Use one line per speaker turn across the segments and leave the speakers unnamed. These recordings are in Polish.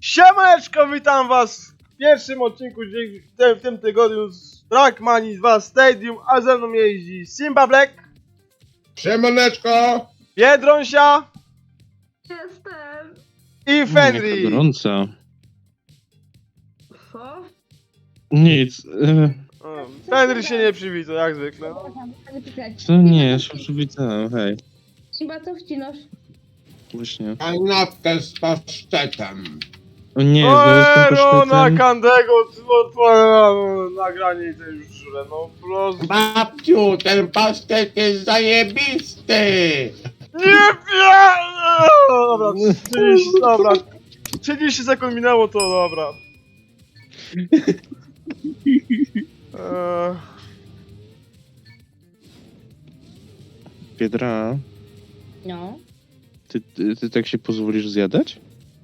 Siemaneczko, witam was w pierwszym odcinku w tym tygodniu z Trackmanii 2 Stadium, a ze mną jeździ Simba Black,
Siemaneczko!
Biedronsia
Jestem!
i
Jaka
Fenry.
gorąca.
Co?
Nic.
Fenry się nie przywitał, jak zwykle.
Co nie, ja się przywitałem, hej.
Chyba co wcinasz?
Właśnie.
Kanapkę z pasztetem.
O nie, znowu z tym
no na
pasztetem.
Kandego, nagranie i to już żre, no prosto.
Babciu, ten pasztet jest zajebisty!
Nie wiem! Dobra, 30, dobra. 30 sekund minęło, to dobra.
Biedra,
No.
ty tak się pozwolisz zjadać?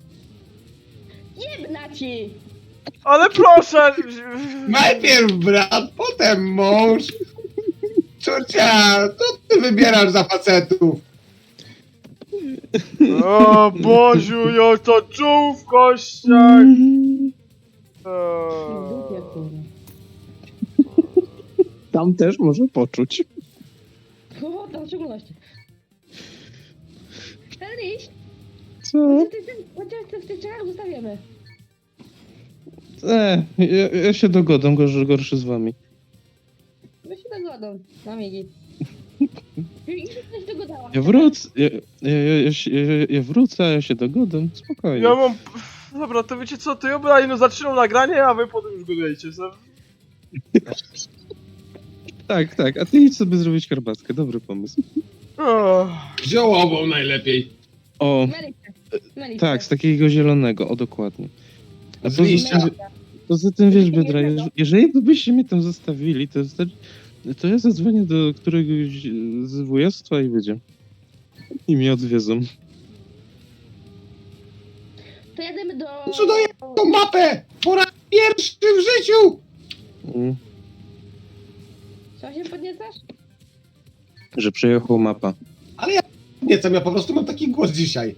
Jebna ci!
Ale proszę!
Najpierw brat, potem mąż. Córcia, co ty wybierasz za facetów?
O Boziu, jak to czuł w kościach!
Dupie, kurwa.
Tam też może poczuć.
O, to w szczególności. Feliś,
Co?
chociaż w tych czarach zostawiamy.
Ja się dogodam, gorszy z wami.
My się dogodą, na migi. I się coś dogodała.
Ja wrócę, ja wrócę, a ja się dogodam, spokojnie.
Ja mam... Dobra, to wiecie co, to ja bym zaczynał nagranie, a wy potem już godujecie sobie.
Tak, a ty idź sobie zrobić herbatkę, dobry pomysł.
Ziołową najlepiej.
O,
Melicie.
tak, z takiego zielonego, o dokładnie. A
Z liścia.
poza tym wiesz, Biedra, jeżeli byście mnie tam zostawili, to ja zadzwonię do któregoś z wujostwa i będzie. I mnie odwiedzą.
To jademy do...
Co daję tą mapę? Po raz pierwszy w życiu!
Mm,
Co się podniecasz?
Że przejechał mapa.
Nie, co ja po prostu mam taki głos dzisiaj.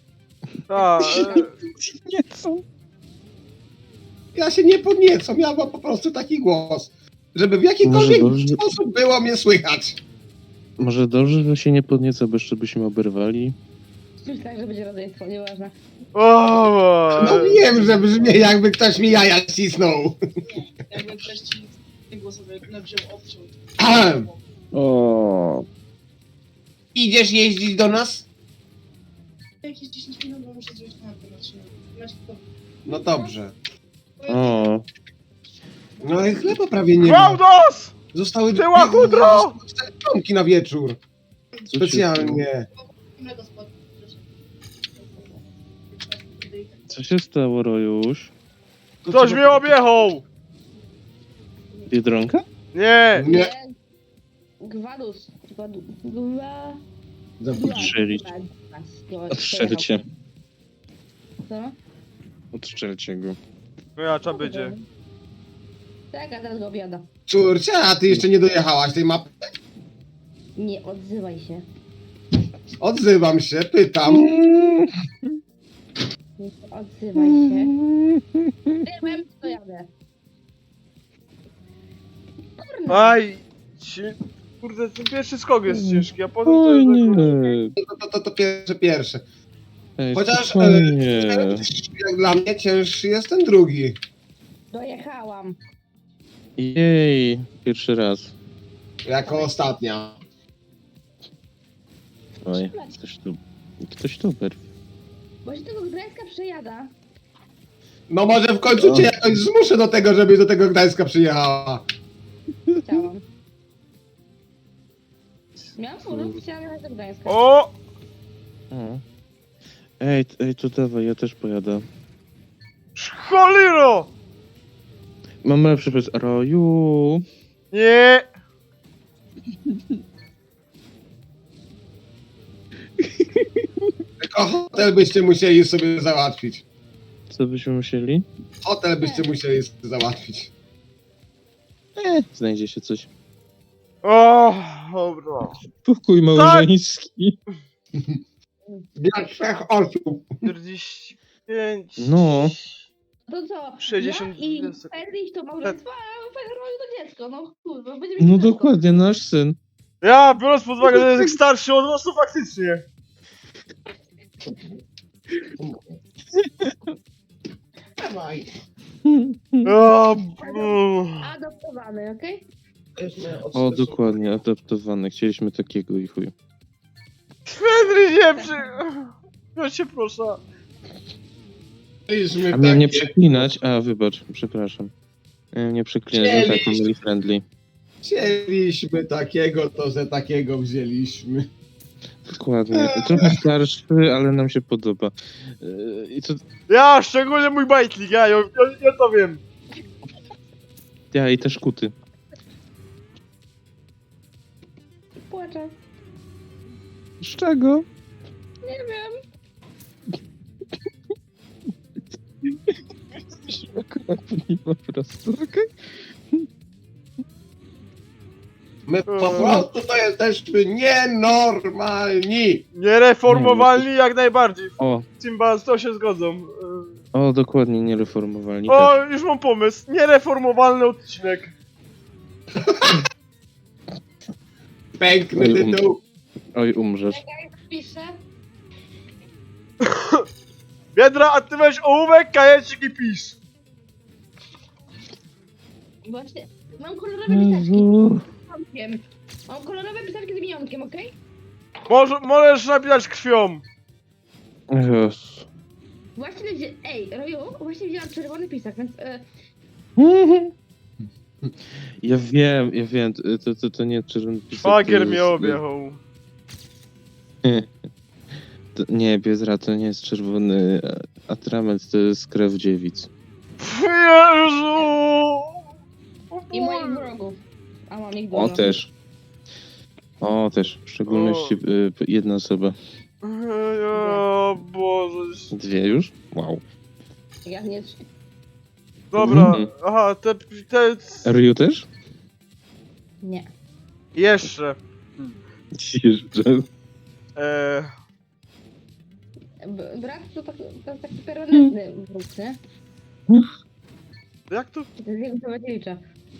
Nie, co?
Ja się nie podniecam, ja mam po prostu taki głos. Żeby w jakikolwiek
Może dobrze.
sposób było mnie słychać.
Może dobrze, że się nie podnieca, bo jeszcze byśmy oberwali.
Myślałem, że będzie rodzeństwo, nieważne.
No wiem, że brzmi jakby ktoś mi jaja cisnął.
Jakby ktoś ci nie głosował, wziął, obciął.
Ahem.
O.
Idziesz jeździć do nas?
Jakieś 10 minut, bo muszę zrobić na to.
No dobrze.
O.
No i chleba prawie nie ma.
Gwałdos!
Zostały
Była chudro!
4 członki na wieczór.
Co
Specjalnie.
Mleko spadło.
Co się stało, Rojusz?
Ktoś mnie objechał!
Biedronka?
Nie!
Nie.
Gwadus.
Odstrzelić. Odstrzelcie.
Co?
Odstrzelcie go.
Wyjacza będzie.
Tak, a teraz go obiada.
Córcia, a ty jeszcze nie dojechałaś tej mapy?
Nie odzywaj się.
Odzywam się, pytam.
Nie odzywaj się. Wiem, to jadę. Kurna.
Aj! Kurde, ten pierwszy skok jest ciężki, a potem to
Oj,
jest...
nie.
To pierwsze.
Ej,
Chociaż
spokojnie.
jak dla mnie cięższy jest ten drugi.
Dojechałam.
Jej, pierwszy raz.
Jako ostatnia.
Oj, ktoś tu berwi.
Bo się tego Gdańska przejada.
No może w końcu cię jakoś zmuszę do tego, żebyś do tego Gdańska przyjechała.
Chciałam. Miałam furę, chciałam jechać do Gdańska.
O!
O. Ej, to dawaj, ja też pojadę.
Cholero!
Mam lepszy przepis. Roju.
Nie!
Tylko hotel byście musieli sobie załatwić.
Co byśmy musieli?
Hotel byście musieli sobie załatwić.
Znajdzie się coś.
O, dobra.
Pokój małżeński.
Dla 3 osób.
45. 5.
No.
To co?
60
Ja i
sekund.
Fedriś to małżeństwo, a Fedrowi to dziecko, no kurwa, będzie mieć
No
dziecko.
dokładnie, nasz syn.
Ja, biorąc pod uwagę, że jest starszy od was, to faktycznie.
Dawaj.
O,
Adoptowany, okej?
O, dokładnie, adaptowany. Chcieliśmy takiego i chuj.
Henry, nie przy... Ja cię proszę.
Byliśmy
A miałem nie
takie-
przeklinać? A, wybacz, przepraszam. Miałem nie przeklinać, no tak, family friendly.
Chcieliśmy takiego, to że takiego wzięliśmy.
Dokładnie. Trochę starszy, ale nam się podoba. I to
Ja, szczególnie mój bajtlik, ja to wiem.
ja i też kuty.
Płaczę.
Z czego?
Nie wiem.
Jesteśmy okropni po prostu, okej?
My po prostu to jesteśmy nienormalni.
Niereformowalni jak najbardziej.
O,
Simba, z to się zgodzą.
o, dokładnie, niereformowalni.
O, już mam pomysł. Niereformowalny odcinek.
Piękny
Oj,
tytuł.
Oj, umrzesz.
Piszę.
Biedra, a ty weź ołówek, kajecik i pisz.
Właśnie, mam kolorowe pisarki z
Jezu.
minionkiem. Mam kolorowe pisarki z minionkiem, okej?
Możesz napisać krwią.
Jezu.
Właśnie, ej, Roju, właśnie wzięłam czerwony pisak, więc...
Ja wiem, to nie czerwony pisak.
Szwagier
to
mnie
jest-
objechał.
Nie, Biedra, to nie jest czerwony atrament, to jest krew dziewic.
Jezu!
I moich wrogów. A mam ich
O,
dużo.
też. O, też. W szczególności jedna osoba.
O Boże.
Dwie już? Wow.
Ja nie...
Dobra,
Mhm.
aha, te...
Ryu też?
Nie.
Jeszcze.
Jeszcze.
Brat to jest taki permanentny wróg, nie?
Jak to?
To jest jego Kowaciewicza.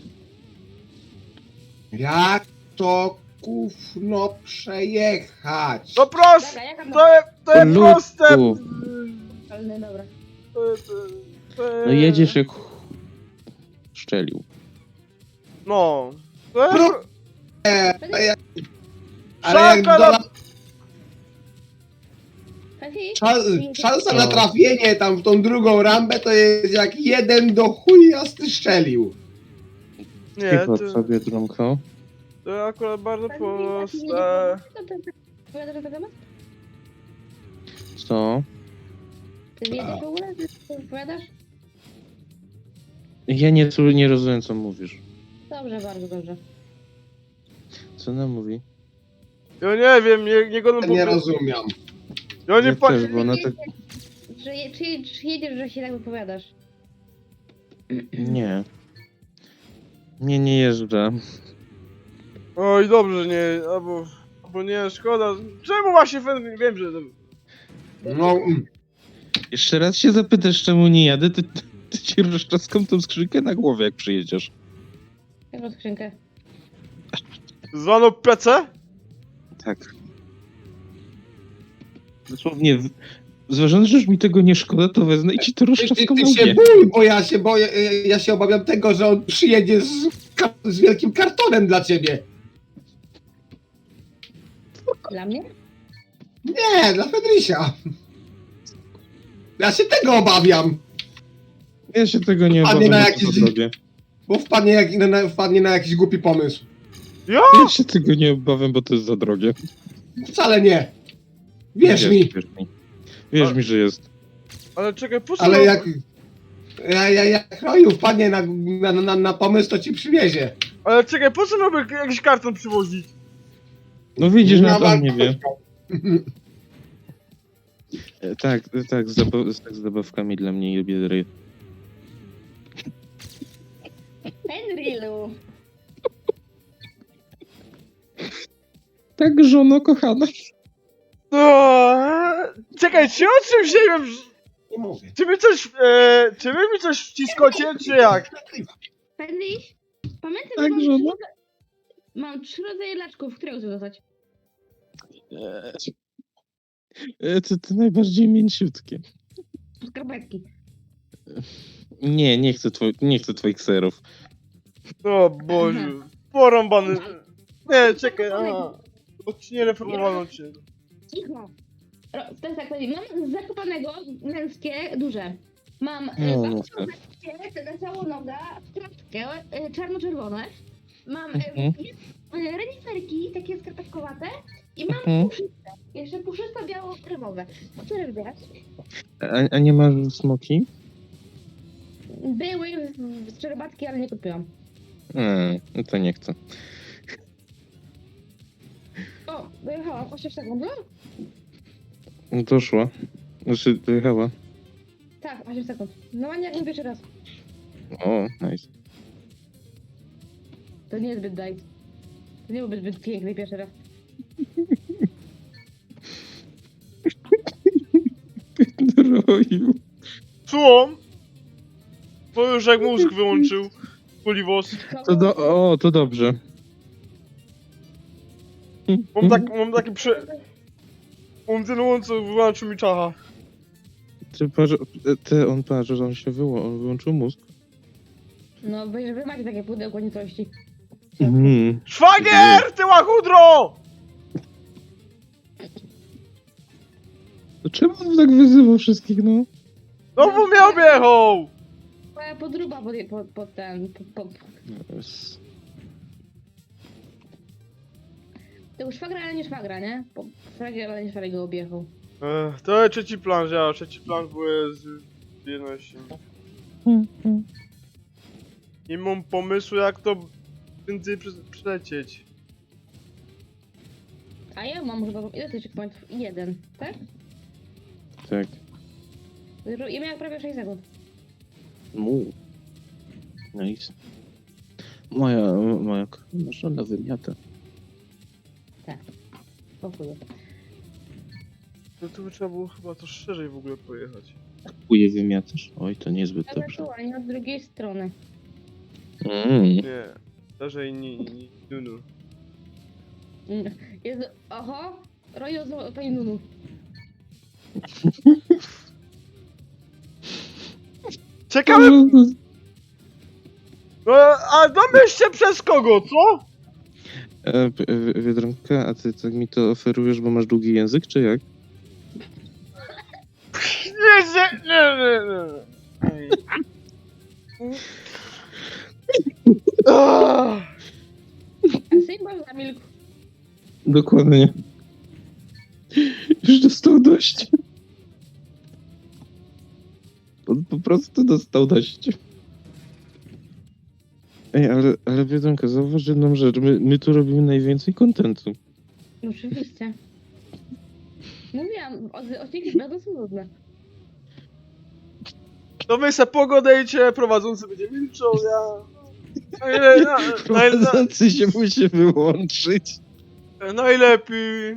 Jak to gówno przejechać?
No proste!
Dobra, jaka ma...
To jest
Ludku.
proste!
Ale dobra.
No jedziesz jak szczelił.
No. To jest...
Pro- Ale jak
Szanka
dola...
na...
Kazi?
Szansa na trafienie tam w tą drugą rambę to jest jak jeden do chuja strzelił.
Nie,
Cicho
to,
sobie, Drumko.
to akurat bardzo
Kazi,
proste.
Opowiadasz na temat?
Co?
Ty wiedziesz w ogóle? Ty opowiadasz?
Ja nie rozumiem, co mówisz.
Dobrze, bardzo dobrze.
Co ona mówi?
Ja nie wiem, nie go
Nie rozumiem.
Ja nie
Ja
pa...
też, bo ona tak...
Czy jedziesz, że się tak wypowiadasz?
Nie. Nie jeżdżę.
Oj, dobrze, nie, albo nie, szkoda. Czemu właśnie wiem, że...
No,
Jeszcze raz się zapytasz, czemu nie jadę, ty ci rozczaskam tą skrzynkę na głowie, jak przyjedziesz.
Jaką skrzynkę?
Zwaną PC?
Tak. Dosłownie, zważając, że już mi tego nie szkoda, to wezmę i ci to
ty
rozczaskam na
się
łbie.
bój, bo ja się boję, ja się obawiam tego, że on przyjedzie z wielkim kartonem dla ciebie.
Dla mnie?
Nie, dla Fedrysia. Ja się tego obawiam,
Ja się tego nie
A nie
obawiam,
na
bo to
jakiś-
za drogie.
bo wpadnie na jakiś głupi pomysł.
Ja?
Ja się tego nie obawiam, bo to jest za drogie.
Wcale nie. Wierz mi.
Wierz mi, że jest.
Ale czekaj, po co...
Ale jak Roju wpadnie na pomysł, to ci przywiezie.
Ale czekaj, po co miałby jakiś karton przywozić?
No widzisz,
Na
nawet on nie wie.
walkę.
Tak, z zabawkami dla mnie i Biedry.
Henrylu!
Tak, żono kochana.
No, czekaj, czy o czymś nie wiem?
Nie mówię.
Czy wy mi coś wciskocie, czy jak?
Feliś, pamiętaj,
Tak,
że
żona?
mam 3 rodzaje laczków, które chcę dostać.
To najbardziej mięciutkie.
Skarpetki.
Nie chcę twoich serów.
O Boże, porąbany. Nie, czekaj, odcinek reformowany odcinek.
Cicho. To jest tak, mam z Zakopanego męskie, duże. Mam
No,
babcie, na całą nogę, w kratkę, czarno-czerwone. Mam
Mhm.
reniferki, takie skarpetkowate. I mam
Mhm.
puszyste. Jeszcze puszyste biało-kremowe. Które lubię?
A nie masz smoki?
Były z czerbatki, ale nie kupiłam.
No to nie chcę.
O, dojechałam 8 sekund.
Doszła. Znaczy, dojechała.
Tak, 8 sekund. No ładnie jak pierwszy raz.
O, nice.
To nie jest zbyt daj. To nie byłby zbyt piękny pierwszy raz.
Droju.
Słucham? To już jak mózg wyłączył. Kuliwos.
To dobrze.
Mam taki Mam ten łąc, co wyłączył mi czacha.
On patrz, że on się wyłączył mózg.
No, wy macie takie pudełko nicości.
Mhm.
Szwagier, ty łachudro!
To czemu on tak wyzywał wszystkich, no?
No bo mnie objechał!
Moja podruba pod ten...
Yes.
To już szwagra, ale nie szwagra, nie? Szwagier, ale nie szwagier go objechał.
To jest trzeci plan, ja. Trzeci plan był z jedności. Nie mam pomysłu, jak to prędzej przelecieć.
A ja mam chyba... Ile to checkpointów? 1, tak?
Tak.
Ja miałem prawie 6 sekund.
Nice. Moja żona wymiata.
Dziękuję.
No to by trzeba było chyba to szerzej w ogóle pojechać.
Kuje wymiatasz? Oj, to niezbyt dobrze.
Ewentualnie od drugiej strony.
Nie, szerzej nie, Nunu.
Jezu, oho! Rojo z pani Nunu.
Ciekawe, no, a domyślcie przez kogo, co?
Biedronka, a ty tak mi to oferujesz, bo masz długi język, czy jak?
Nie. Ah.
A Simba zamilkł.
Dokładnie. Już dostał dość. Po prostu dostał dość. Ej, ale Biedronka, zauważ jedną rzecz. My tu robimy najwięcej kontentu.
Oczywiście. Mówiłam, odcinki będą są nudne.
To wy se pogodejcie, prowadzący będzie milczał, ja...
Prowadzący się musi wyłączyć.
Najlepiej.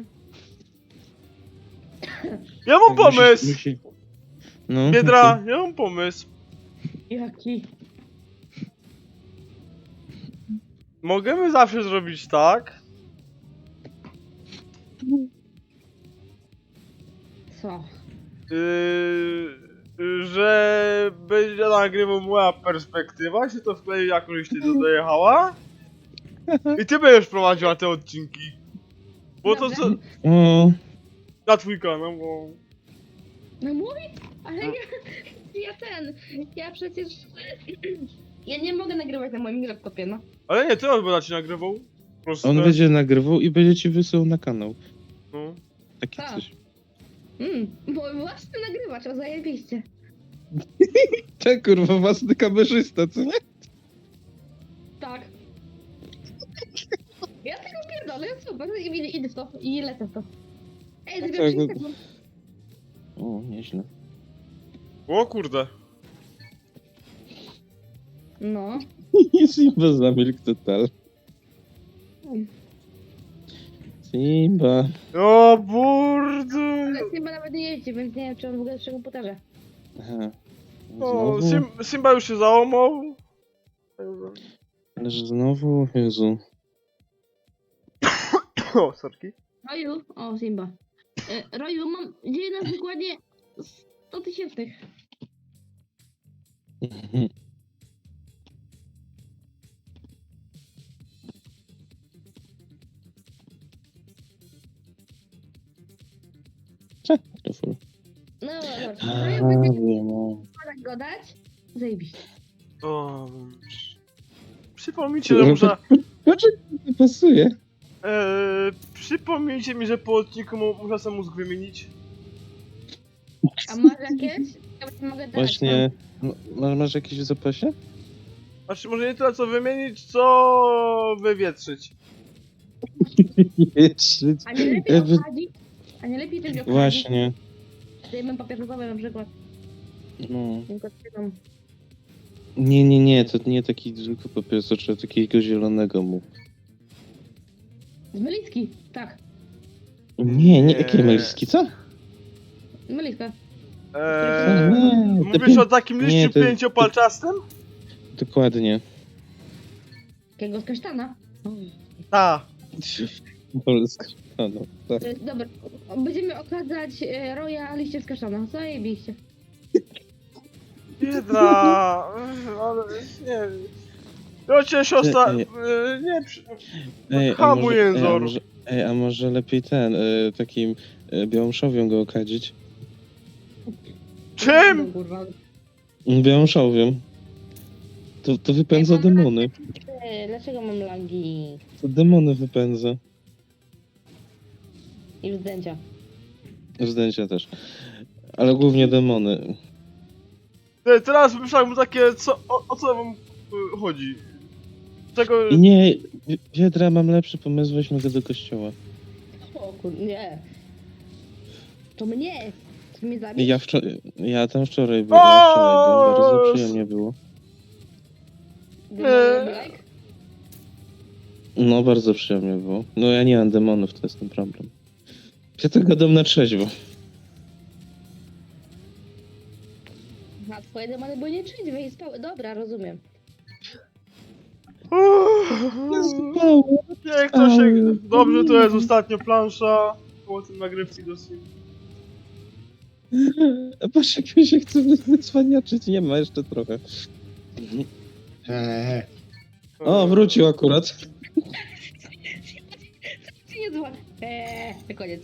Ja mam pomysł!
No,
Biedra, ja mam pomysł.
Jaki?
Możemy zawsze zrobić tak,
Co?
że będzie nagrywał moja perspektywa, się to wklei jakoś ty tu dojechała i ty będziesz prowadziła te odcinki. Bo to co...
O,
Na twój kanał, bo...
No mój? Ale ja przecież... Ja nie mogę nagrywać na moim laptopie, no.
Ale nie, ty on będzie ci nagrywał. Po prostu
on będzie nagrywał i będzie ci wysyłał na kanał.
No.
Takie
Tak.
coś.
Bo własny nagrywacz, to zajebiście.
Tak, kurwa, własny kamerzysta, co nie?
Tak. Ja tego pierdolę, super, idę w to i lecę w to. Ej,
Tak,
zrobię 30
no.
sekund.
O, nieźle.
O kurde.
No.
Simba zamilkł total. Simba.
O burde.
Ale Simba nawet nie jeździ, więc nie wiem, czy on w ogóle jest przy komputerze.
Aha.
O,
Znowu?
Simba już się załamał.
Ależ znowu? Jezu.
O, sorki.
Roju, o Simba. Roju, mam dzieje na wykładzie 100 000. No dobra,
A,
Roju będzie
wiem, o.
go dać? Zajebiście.
O, przypomnijcie, że muszę...
Nie pasuje.
Przypomnijcie mi, że po odcinku muszę sobie mózg wymienić.
A masz jakieś? Ja ci mogę dać.
Właśnie. Masz jakieś w zapasie?
Znaczy, może nie tyle co wymienić, co wywietrzyć.
Wietrzyć.
A nie lepiej
Jakby-
obsadzić? A nie lepiej coś obsadzić?
Właśnie.
Dajmy papierowe na przykład.
No.
Tylko trzymam.
Nie, to nie taki zwykły papieros, to trzeba takiego zielonego mu.
Z Melicki, tak.
Nie,
Nie.
jakie meliski, co?
Z Meliska.
Nie,
Mówisz o takim
nie,
liściu
to-
pięciopalczastym?
Dokładnie.
Jakiego z kasztana.
Ta.
Polska. No, tak.
Dobra, będziemy okazać Roya liście z kasztana. Zajebiście.
Biedna. Ale nie wiem. No cię siostra...
Ej.
Nie,
Ej,
Hamu jęzor.
a może lepiej ten, takim białąszowią go okadzić?
Czym?
Kurwa.
Białąszowią. To wypędza demony.
Dlaczego mam langi
To demony wypędza.
i zdjęcia?
Zdjęcia też. Ale głównie demony.
Teraz myślałem mu takie, o co wam chodzi? Czego...
I nie, Wiedra, mam lepszy pomysł, weźmy go do kościoła.
O kur... nie. To mnie. To mnie zabić?
Ja tam wczoraj byłem, bardzo
O!
przyjemnie było.
Like?
No, bardzo przyjemnie było. No, ja nie mam demonów, to jest ten problem. Ja to gadam na trzeźwo.
A twoje demony były nieczęśliwe i spały. Dobra, rozumiem.
Jak to się... Dobrze, to jest ostatnia plansza. Po tym nagrywki do Sim.
A patrz, jak mi się chce wycwaniaczyć, nie ma jeszcze trochę. O, wrócił akurat.
Nie zła. Koniec.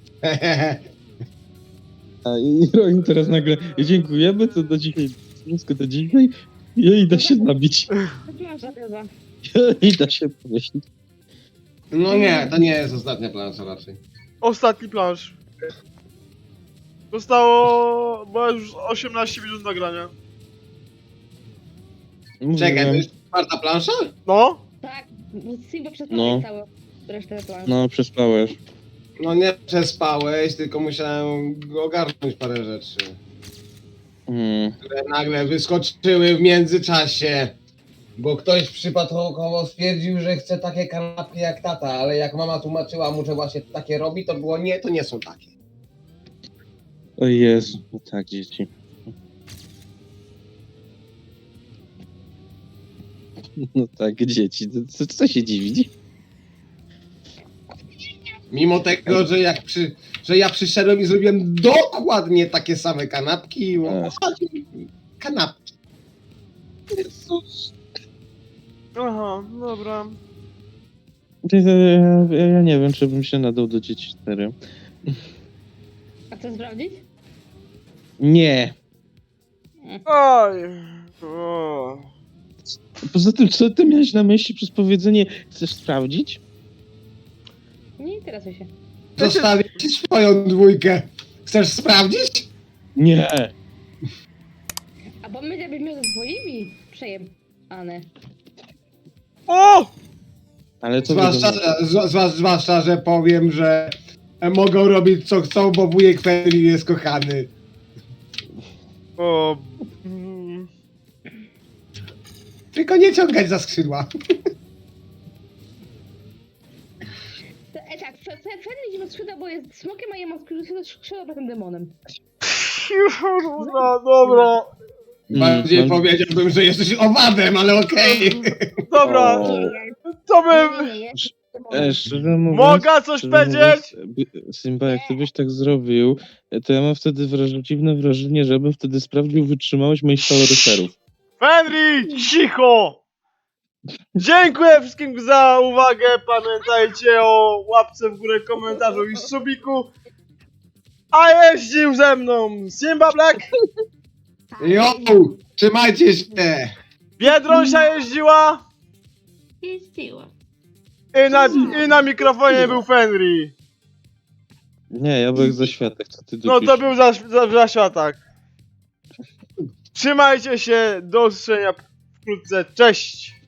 A i Roin teraz nagle, dziękujemy, to do dzisiaj, wszystko do dzisiaj. I da się zabić.
Plansza chyba.
I da się pomyśleć.
No nie, to nie jest ostatnia plansza raczej.
Ostatni plansz. Zostało... Bo już 18 minut nagrania.
Czekaj, to
Mówiłem.
jest czwarta plansza?
No?
Tak, Simba przez
No.
całą resztę planszy.
No, przespałeś.
No nie przespałeś, tylko musiałem ogarnąć parę rzeczy, które nagle wyskoczyły w międzyczasie. Bo ktoś przypadkowo stwierdził, że chce takie kanapki jak tata, ale jak mama tłumaczyła mu, że właśnie takie robi, to było nie, to nie są takie.
O Jezu, no tak, dzieci. No tak, dzieci, co się dziwić?
Mimo tego, że ja przyszedłem i zrobiłem dokładnie takie same kanapki. Kanapki.
Jezus.
Aha, dobra.
Ja nie wiem, czy bym się nadał do dzieci 4.
A co sprawdzić?
Nie.
Oj. O.
Poza tym, co ty miałeś na myśli przez powiedzenie chcesz sprawdzić?
Nie interesuj się.
Zostawię ci swoją dwójkę. Chcesz sprawdzić?
Nie.
A bo my jakbyśmy ze swoimi przejebane.
O!
Ale to
Zwłaszcza, że powiem, że mogą robić co chcą, bo wujek Feli jest kochany.
O.
Tylko nie ciągać za skrzydła.
Tak, Freddy idzie skrzydła, bo jest smokiem, a ja mam skrzydła potem demonem.
Kurwa, dobra.
Bardziej
mam-
powiedziałbym, że jesteś owadem, ale okej.
Dobra,
O.
to bym...
Szczerze mówiąc...
Mogę coś
szczerze
powiedzieć?
mówiąc, Simba, jak ty byś tak zrobił, to ja mam wtedy dziwne wrażenie, żebym wtedy sprawdził wytrzymałość moich kaloryferów.
Henry, cicho! Dziękuję wszystkim za uwagę. Pamiętajcie o łapce w górę, komentarzu i subiku. A jeździł ze mną Simba Black,
Jo, trzymajcie się.
Biedronsia jeździła
Jeździła.
i na mikrofonie był Fenry.
Nie, ja byłem za światek, co ty
No
dupisz?
to był za światak. Trzymajcie się, do usłyszenia wkrótce, cześć!